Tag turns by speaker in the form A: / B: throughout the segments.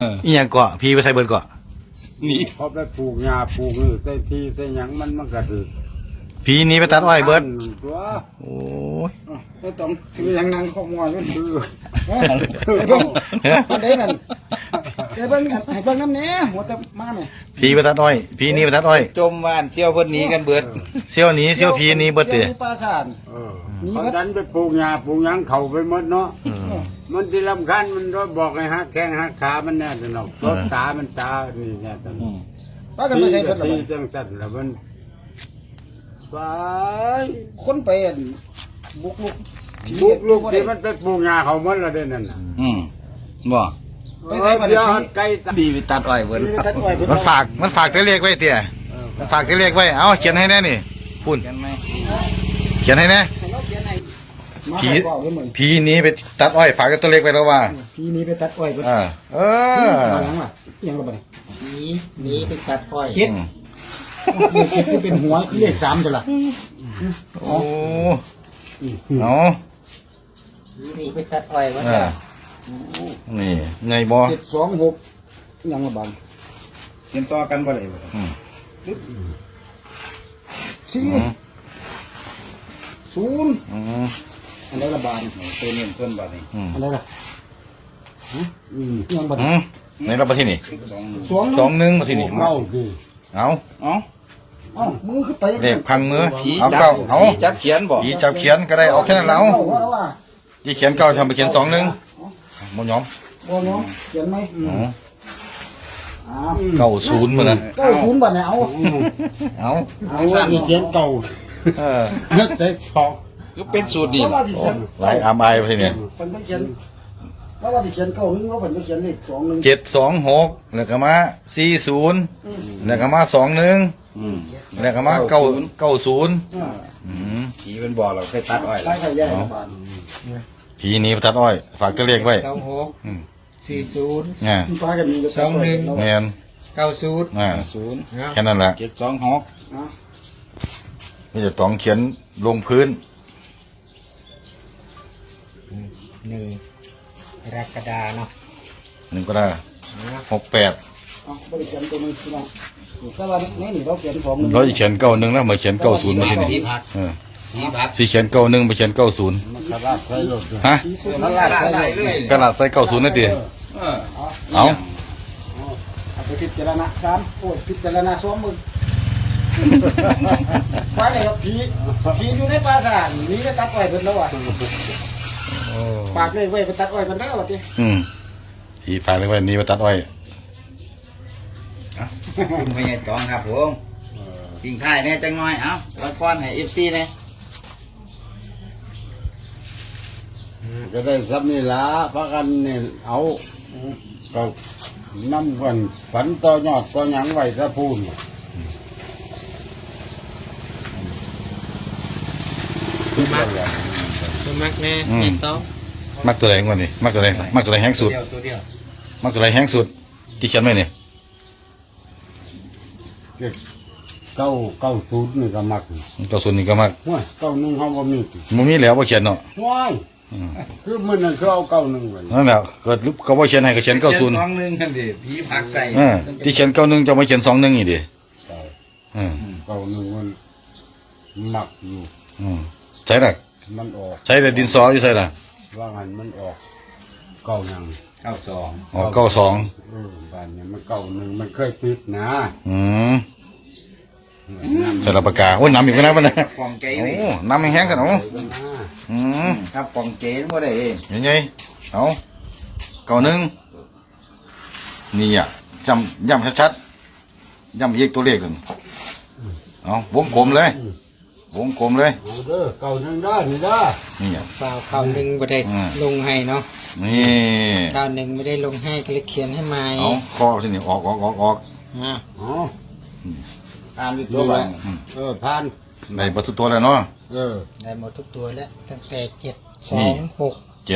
A: อีหยังเกาะพี่ไปใส่เบิดเกาะนี่
B: พอไปปลูกหญ้าปลูกนี่ใส่ที่ใส่หยังมันก็ถือ
A: พี่นี้ไปตัดอ้อยเบิด
B: ตัว
A: โอ้ย
C: ก็ต้องคือยังนั่งขโมยมัน
B: คือ
C: ไอ้เบิ้งมันได้นั่นไอ้เบิ้งไอ้เบิ้งน้ำเนี้ยหัวแต่มาเนี่ย
A: พี่ไปตัดอ้อยพี่นี้ไปตัดอ้อย
D: จมว่านเชี่ยวเพิ่นหนีกันเบิด
A: เซี่ยวหนี้เซี่ยวพี่นี้เบิดเตะ
C: ที่ปราสาท
B: เพราะนั้นไปปลูกหญ้าปลูกหยังเข้าไปหมดเนาะมันที่รำคัญมันรบอกให้หักแข้งหักขามันแน่ตลอดรถตามันตานี่แน่ตลอด
C: ป้ากันไม่ใช่เบิ้งหร
B: ที่
C: อก
B: จังสันแล้วมันไป
C: คนไปบุกลุก
B: ปลูกลูกที่มันไปปลูกหญ้าเขาหมดแล้วเด้นั่นน่ะ
D: บ่
C: ไปใส่บัตร
B: เดี๋ยวไก่ตา
D: ดีไปตัดอ้อยเบิด
C: ตัดอ้อย
A: มันฝากตัวเลขไว้เตี่ยมันฝากตัวเลขไว้เอาเขียนให้แน่นี่พูด
D: กันไหม
A: เขียนให้แน่ ผี พี่นี้ไปตัดอ้อยฝากตัวเลขไว้แล้วว่า
C: พี่นี้ไปตัดอ้อยเบิ้ง
A: เออ
C: ยังวะยังระบาด
D: นี่ไปตัดอ้อย
C: เจ็ดเจ็ดเป็นหัวเลข3ตัวละ
A: โอ้เอา
D: นี่ไปตัดอ้อยว่า
A: นี่ไงบ่
C: 726ยังระบาด
D: เตรียมต่อกันบ่ได้บ่
C: 4 0อันไหนระบาด
D: ตัวนี้เพิ่นบ่นี่
C: อันไหนล่ะยังบาด
A: ในรับมาที่นี่
D: 2
A: 2-1มาที่นี่
B: เมาสิ
A: เอา
D: เอ้า
C: เอ้ามือขึ้นไป
A: เลขพังมือ
D: ผี
A: เอา
D: จั
A: เก้า
D: บ
A: เอา
D: ผีจับเขียนบ่
A: ผีจับเขียนก็ได้เอาแค่นั้นแล้ว
C: ว่า
A: ที่เขียนเก้าทำไปเขียน2-1หมดยอม
C: บ่เนาะเขียนไหม
A: เก้าศูนย์มานะ
C: 90บาทเนี่ยเอา
A: เอา
B: เอาว่าอีเขียนเก่า
A: เออ
B: เด็กสอง
D: คือเป็นสูตรนี่
C: แล้วว่าสิเขียน
A: หลายอามไอไปที่นี่
C: เพิ่นไปเขียนแล้วว่าสิเขียน91แล้วเพิ่นไปเขียนเลข21
A: 726แล้วก็มา40แล้วก็มา21แล้วก็มา90
D: ผีเป็นบ่เราไปตัดอ้อย
C: ใช่ใช่ใหญ่บาท
A: ผีนี้ประทัดอ้อย ฝากตัวเลขไว้
D: 26
A: เนี่ย
C: ที่ฟ้ากันมี
A: แมน
D: 40
A: อ่า
D: 90
A: แค่นั้นแหละ
D: 726
A: นี่จะต้องเขียนลงพื้น
D: 1กรกฎาเนาะ
A: 1ก็ได้68
C: เอาบ่ได้เขียนตัวนึงพี่น้องแต่ว่านี่เราเขียน21
A: เราจะเขียน91แล้วมาเขียน90มาที่นี่เออสิเขียน91ไปเขียน90
B: มันกระลาดใส่รถเลย
A: ฮะ
D: มันลาดใส่เลย
A: กระดาษใส่90นั่นติ เอา
C: เอาไปพิจารณา3โอ้ยพิจารณา2มื้อไปเลยครับผีอยู่ในป่าซ่านี่ก็ตัดอ้อยเพิ่นแล้วว่ะฝากเลขไว้ไปตัดอ้อยกันเด้อว่าติ
A: ผีฝากเลยไว้นี่มาตัดอ้อย
D: คุณพญาจองครับผมทิ้งท้ายแน่จังน้อยเอ้าไว้พรให้ FC แน่
B: จะได้ซับนี่ละพักกันเนี่ยเอาก็น้ำกันฝันต่อยอดต่อหยังไว้ซะพูน
D: มักแน่
A: เห็นต้อง มักตัวไหนก่อนนี่มักตัวไหนแห้งสุด
D: ตัวเดียว
A: มักตัวไหนแห้งสุดที่เขียนไว้นี่
B: 990นี่ก็มัก
A: 90นี่ก็มัก
B: ห้วย91เขาบ่มี
A: มันมีแล้วบ่เขียนเนาะ
B: ห้วยคือมื้อนั้นคือเอา91ไว้
A: นั่นแหละก็เขาบ่เขียนให้ก็เขียน
D: เขียน
A: 90
D: 21นั่นดิผีผักใส่
A: ที่เขียน91จะมาเขียน21อีกดิ
B: 91มันมักอยู่
A: ใช่ล่ะ
B: มันออก
A: ใช้แต่ดินสออยู่ใช่ล่ะ
B: ว่างั้นมันออกเก่ายัง
D: 92
A: อ๋อ92
B: บ้านเนี่ยมัน91มันเคยติดนะ
A: ใส่ละปากกาโอ้ยน้ำอีกแล้วมันนะ
D: ปองเก๋
A: โอ้
D: ไว้
A: น้ำแห้งๆกันโอ้
D: ครับปองเก๋บ่ได้เอง
A: ยังไงเอา91นี่อ่ะย้ำชัดๆย้ำอีกตัวเลขนึงเอาวงกลมเลย วงกลมเลย
B: เอาเด้อ91ได้นี่ด้า
A: นี่อ่ะ
E: เปล่าข่าวหนึ่งไม่ได้ลงให้เนาะ
A: นี่
E: ข่าวหนึ่งไม่ได้ลงให้ก็เลยเขียนให้ใหม่
A: เอาข้อที่นี่ออก
E: อ่า
B: อ๋อ
D: อ่านวิตัวบ้าง
B: ผ่าน
A: ในประตูตัวแล้วเนาะ
E: ได้หมดทุกตัวแล้วตั้งแต่726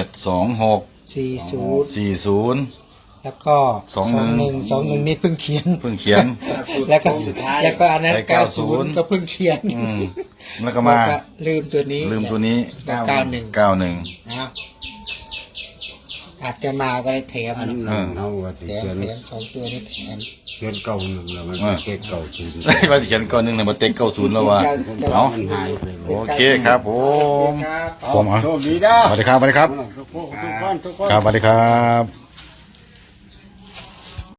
A: 726
E: 40
A: 40
E: แล้วก็ 21นี่เพิ่งเขียน
A: เพิ่งเขียน
E: แล้วก็อันนั้น
A: ใส่90
E: 90ก็เพิ่งเขียน
A: แล้วก็มา
E: ลืมตัวนี้
A: ลืมตัวนี้
E: 91
A: 91
E: นะอาจจะมาก็เลยแถม
B: อัน
E: เนาะ
B: นั้นเอาว่าสิ
E: แถม
B: เขียน
E: แถม2 ตัวนี่แถม
B: เขียนเก่าหนึ่งแล้วมันเก็บเก่าศูนย์
A: ว่าสิเขียนก่อนหนึงนะบ่เต็ก90แล้วว่า เอา
B: มันหายไป
A: โอเคครับผม
E: ครับ
A: ผมเอา
B: โชคดีนะ
A: สวัสดีครับสวัสดีครับ
B: ทุกคนทุกคน
A: ครับสวัสดีครับ